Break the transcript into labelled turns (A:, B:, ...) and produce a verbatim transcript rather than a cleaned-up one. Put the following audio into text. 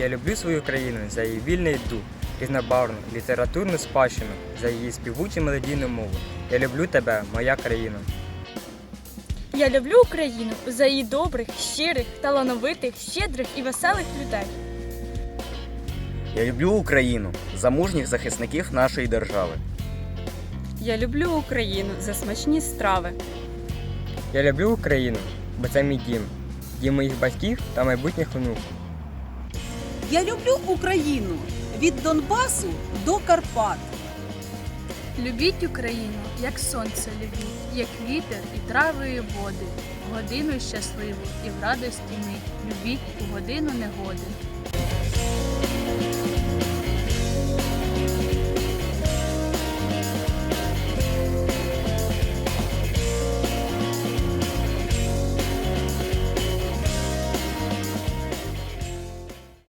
A: Я люблю свою країну за її вільний дух, різнобарвну літературну спадщину, за її співучу мелодійну мову. Я люблю тебе, моя країна.
B: Я люблю Україну за її добрих, щирих, талановитих, щедрих і веселих людей.
C: Я люблю Україну за мужніх захисників нашої держави.
D: Я люблю Україну за смачні страви.
A: Я люблю Україну, бо це мій дім, дім моїх батьків та майбутніх онуків.
E: Я люблю Україну від Донбасу до Карпат.
F: Любіть Україну, як сонце любіть, як вітер і трави і води, в годину щасливу і в радості мить, любіть у годину негоди.